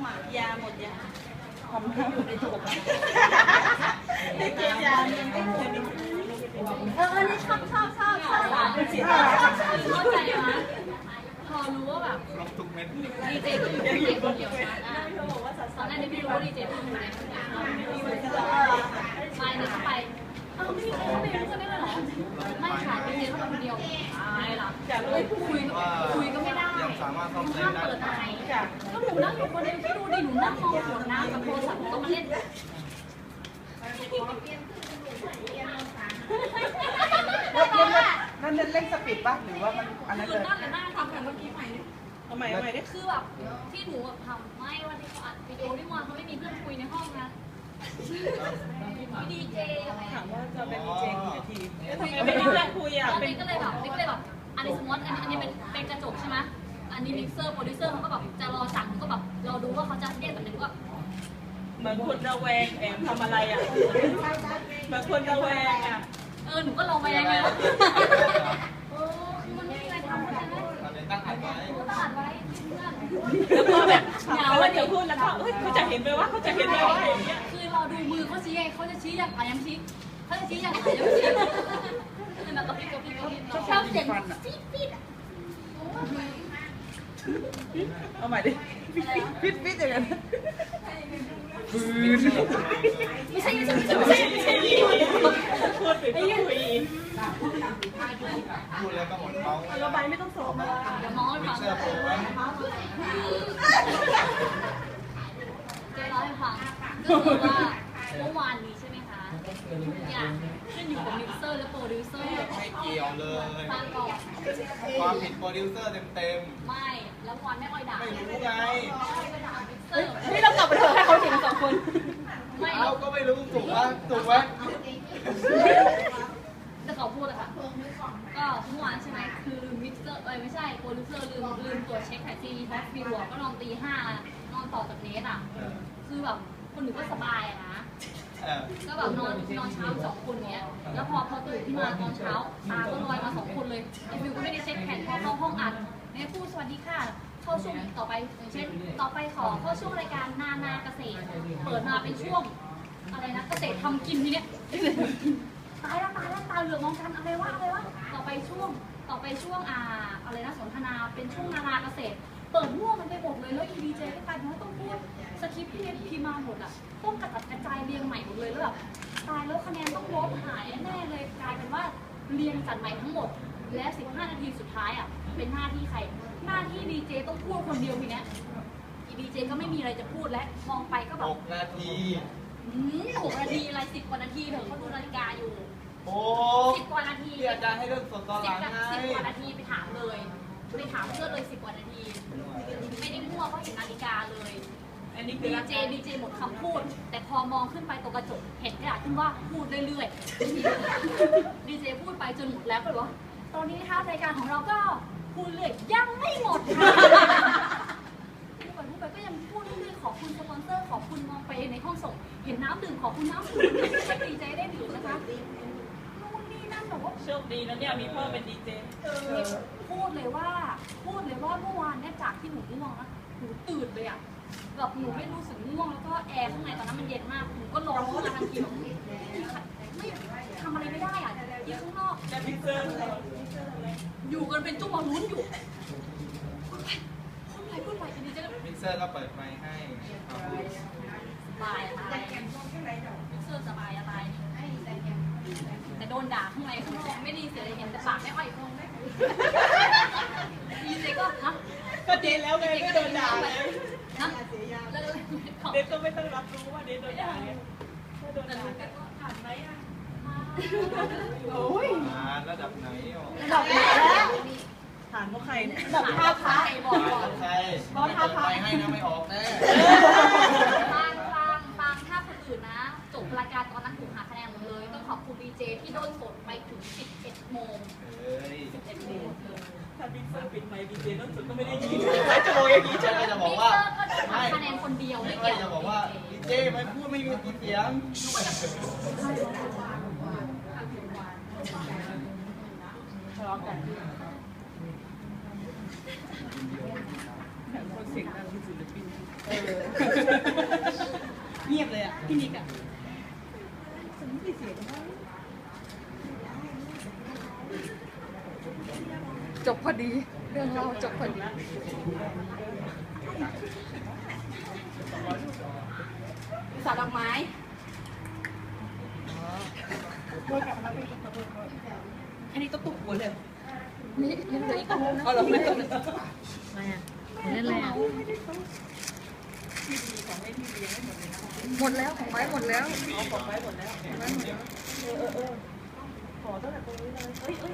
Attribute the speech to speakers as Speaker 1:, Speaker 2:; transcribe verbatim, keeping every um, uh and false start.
Speaker 1: อ่ะยาหมดยาทำให้อยู่ในถุงได้กินยายังไม่เคยมีเออนี่ชอบชอบชอบชอบเข้าใจไหมพอรู้ว่าแบบดีเจก็อยู่ในคนเดียวนะตอนแรกไม่รู้ว่าดีเจเป็นคนเดียวไปเดินไปเอ้าไม่มีใครเข้าไปรู้กันได้เลยเหรอไม่ค่ะดีเจเข้าไปคนเดียวไม่หรอกจะเลยคุยคุยก็ไม่ได้ห้ามเปิดไมค์ก็หนูนั่งอยู่คนเดียวที่ดูดิหนูนั่งมองขวดน้ำกับโทรศัพท์ก็มาเล่น
Speaker 2: นั่นเล่นสปีดป่ะหรือว่ามันอันนั้น
Speaker 1: คื
Speaker 2: เล
Speaker 1: อย นั่งแต่นั่งทำแบบเมื่อกี้ใหม่เอาใหม่เอาใหม่ได้คือแบบที่หนูแบบทำไม่วันที่เขาอัดวิดีโอที่วันเขาไม่มีเพื่อนคุยในห้องนะดีเจถามว่าจะเป็นดีเจกี่นาทีทำไมไม่มีเพื่อนคุยอ่ะเป็นก็เลยแบบนี่ก็เลยแบบอันนี้สมมติอันนี้อันนี้เป็นเป็นกระจกใช่ไหมอันนี้มิกเซอร์โปรดิวเซอร์เขาก็แบบจะรอสั่งก็แบบเราดูว่าเขาจะเรียกแบบนึงก็เหมือนคนระแวงแอบทำอะไรอ่ะเหมือนคนระแวงอ่ะเออหนูก็ระแวงเลยเออคือมันไม่มีอะไรทำใช่ไหมตั้งอัดไว้ตั้งอัดไว้แล้วก็แบบเหงาเดี๋ยวพูดแล้วก็เขาจะเห็นไหมว่าเขาจะเห็นไหมว่าอย่างเงี้ยคือเราดูมือเขาชี้ไงเขาจะชี้อย่างไรยังชี้เขาจะชี้อย่างไรยังชี้เป็นแบบกระพริบกระพริบกระพริบชอบเสียงฟีดฟีดอ่ะ
Speaker 2: เอาใหม่ดิฟิตฟิตอย่างนั้น
Speaker 1: ไม่ใช่ไม่ใช่ไม่ใช่ไม่ใช่ไม่ใช่พูดไปพูดไป
Speaker 3: พูดแล้วก็หมดเมา
Speaker 1: ระบายไม่ต้องสอบเดี๋ยวมองให้ฟังเจ๊เล่าให้ฟังก็คือว่าเมื่อวานนี้ใช่ไหมคะทุกอย่างขึ้นอยู่กับมิกเซอร์และโปรดิวเซอร์
Speaker 3: ไม่เกี่ยวเลย
Speaker 1: ฟังก่อน
Speaker 3: ความผิดโปรดิวเซอร์เต็ม
Speaker 1: ๆไม่แล้ววันไม่ค่อยด่า
Speaker 3: ไม่รู้ไง
Speaker 1: นี่เรากลับไปเถอะให้เขาเห็นสองคนไม่
Speaker 3: เราก็ไม่รู้ถูกไหมถูกไหม
Speaker 1: จะขอพูดอะค่ะก็เมื่อวานใช่ไหมคือลืมมิกเซอร์เอ้ยไม่ใช่โปรดิวเซอร์ลืมลืมตรวจเช็คแท็กซี่แท็กซี่หัวก็นอนตีห้านอนต่อจากเนสอะคือแบบคนหนึ่งก็สบายอะนะก็แบบนอนนอนเช้าสองคนเนี้ยแล้วพอพอตื่นขึ้นมาตอนเช้าตาก็ลอยมาสองคนเลยไอ้ฟิวก็ไม่ได้เช็คแผนพอเข้าห้องอัดเนี่ยพูดสวัสดีค่ะเข้าช่วงต่อไปอย่างเช่นต่อไปขอเข้าช่วงรายการนานาเกษตรเปิดมาเป็นช่วงอะไรนะเกษตรทำกินทีเนี้ยตายแล้วตายแล้วตาเหลือกมองกันอะไรวะอะไรวะต่อไปช่วงต่อไปช่วงอ่าอะไรนะสนทนาเป็นช่วงนานาเกษตรเปิดมั่วมันไปหมดเลยแล้วอีดีเจก็กลายเป็นว่าต้องพูดสคริปต์ที่เรียนพิมพ์มาหมดอ่ะต้องกระจัดกระจายเรียงใหม่หมดเลยแล้วแบบตายแล้วคะแนนต้องลบหายแน่เลยกลายเป็นว่าเรียงจัดใหม่ทั้งหมดและสิบห้านาทีสุดท้ายอ่ะเป็นหน้าที่ใครหน้าที่ดีเจต้องพูดคนเดียวทีเนี้ยอีดีเจก็ไม่มีอะไรจะพูดและมองไปก็แบบ
Speaker 3: หกนาที
Speaker 1: อืมหกนาทีอะไรสิบกว่านาทีเถอะเขาดูนาฬิกาอยู่
Speaker 3: โอ้
Speaker 1: สิบกว่านาที
Speaker 3: ที่อาจารย์ให้เรื่องสดตอนหลังไง
Speaker 1: สิบกว่านาทีไปถามเลยไปถามเพื่อนเลยสิบกว่านาทีไม่ได้มั่วเพราะเห็นนาฬิกาเลยอันนี้คือดีเจดีเจหมดคำพูดแต่พอมองขึ้นไปตรงกระจกเห็นกระดาษขึ้นว่าพูดเรื่อยๆดีเจพูดไปจนหมดแล้วก็เลยว่าตอนนี้นะคะรายการของเราก็พูดเลยยังไม่หมดค่ะพูดไปพูดไปก็ยังพูดเรื่อยๆขอบคุณสปอนเซอร์ขอบคุณมองไปในห้องส่งเห็นน้ำดื่มขอบคุณน้ำดื่มให้ดีเจได้ดื่มนะคะนู่นนี่นั่นแบบว่าโชคดีนะเนี่ยมีพ่อเป็นดีเจพูดเลยว่าพูดเลยว่าเมื่อวานเนี่ยจากที่หนูง่วงนะหนูตื่นเลยอ่ะแบบหนูไม่รู้สึกง่วงแล้วก็แอร์ข้างในตอนนั้นมันเย็นมากหนูก็ร้อนขึ้นมาทันทีไม่ทำอะไรไม่ได้อ่ะที่ข้างนอกอยู่กันเป็นจุ๊บมาลุ้นอยู่พูดไปพูดไปพูดไปดีเจ
Speaker 3: มิกเซอร์ก็เปิดไมค์ให้
Speaker 1: สบายอะไรมิกเซอร์สบายอะไรแต่โดนด่าข้างในข้างนอกไม่ดีเสียเลยเห็นแต่ปากไม่ค่อยคงดีเจก็ฮะ
Speaker 2: ก็เดนแล้วไงไม่โดนด่าเลย
Speaker 1: นะ
Speaker 2: เดนก็ไม่ต้องรับรู้ว่าเดนโดนด่าเนี่ย
Speaker 1: โดนด่าก็ผ่านไหมอ่ะ
Speaker 2: โอ้ย
Speaker 3: ระดับไหน
Speaker 2: ระดับไหนแล้วฐานพวกใครแบบท่าพระ
Speaker 1: บอกก่อน
Speaker 3: ใครบอกท่าพระให้นะไม่ออกแน่
Speaker 1: ฟังฟังฟังถ้าคนอื่นนะจบรายการตอนนั้นถูกหาคะแนนหมดเลยต้องขอบคุณดีเจที่โดนสดไปถึงสิบเอ็ดโมงสิบเอ็ดโมง
Speaker 2: ถ้าบิ๊กเซอร์ปิดไมค์ดีเจโดนสดก็ไม่ได้ยินจะบอกอย่างนี้ใช่ไหม
Speaker 3: จะบอกว่า
Speaker 1: ไม่คะแนนคนเดียวไม่เกี่ยว
Speaker 3: จะบอกว่าดีเจไม่พูดไม่มีเสียง
Speaker 2: ทะเลาะกันคนเสียงดังที่ศิลปิน
Speaker 4: เงียบเลยอ่ะพี่นิกอ่ะจบพอดีเรื่องเราจบพอดีสาดดอกไม้อันนี้ต้องตุกหัวเลยนี่ยังเหลืออีกอันนึงนะเอาเราไม่ต้อง
Speaker 1: อะไรอ่ะเล่นอะไรอ่ะ
Speaker 4: หมดแล้วของไม้หมดแล้ว
Speaker 2: เอาของไปหมดแล้ว
Speaker 4: ไม้หมดแล้ว